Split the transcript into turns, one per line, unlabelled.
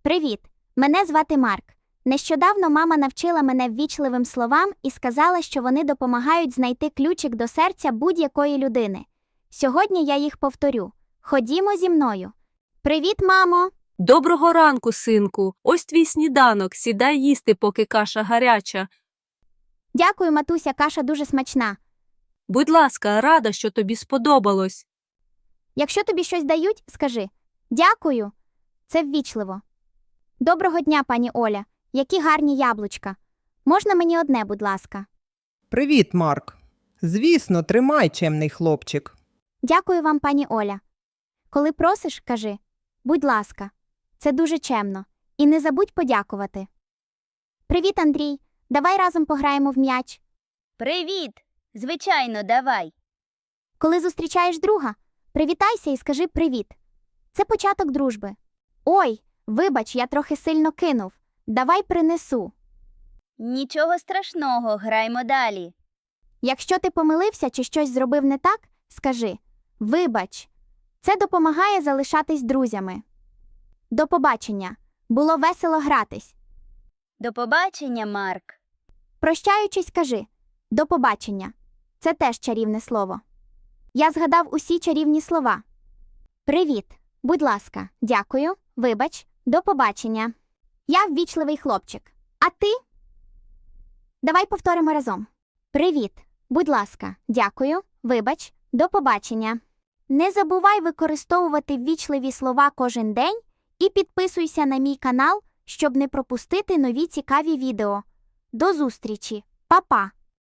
Привіт! Мене звати Марк. Нещодавно мама навчила мене ввічливим словам і сказала, що вони допомагають знайти ключик до серця будь-якої людини. Сьогодні я їх повторю. Ходімо зі мною. Привіт, мамо!
Доброго ранку, синку. Ось твій сніданок. Сідай їсти, поки каша гаряча.
Дякую, матуся, каша дуже смачна.
Будь ласка, рада, що тобі сподобалось.
Якщо тобі щось дають, скажи «Дякую». Це ввічливо. Доброго дня, пані Оля. Які гарні яблучка. Можна мені одне, будь ласка?
Привіт, Марк. Звісно, тримай, чемний хлопчик.
Дякую вам, пані Оля. Коли просиш, кажи «Будь ласка». Це дуже чемно. І не забудь подякувати. Привіт, Андрій. Давай разом пограємо в м'яч.
Привіт! Звичайно, давай.
Коли зустрічаєш друга, привітайся і скажи «Привіт». Це початок дружби. Ой, вибач, я трохи сильно кинув. Давай принесу.
Нічого страшного, граймо далі.
Якщо ти помилився чи щось зробив не так, скажи «Вибач». Це допомагає залишатись друзями. До побачення. Було весело гратись.
До побачення, Марк.
Прощаючись, кажи «До побачення». Це теж чарівне слово. Я згадав усі чарівні слова. Привіт. Будь ласка. Дякую. Вибач. До побачення. Я ввічливий хлопчик. А ти? Давай повторимо разом. Привіт. Будь ласка. Дякую. Вибач. До побачення. Не забувай використовувати ввічливі слова кожен день і підписуйся на мій канал, щоб не пропустити нові цікаві відео. До зустрічі. Па-па!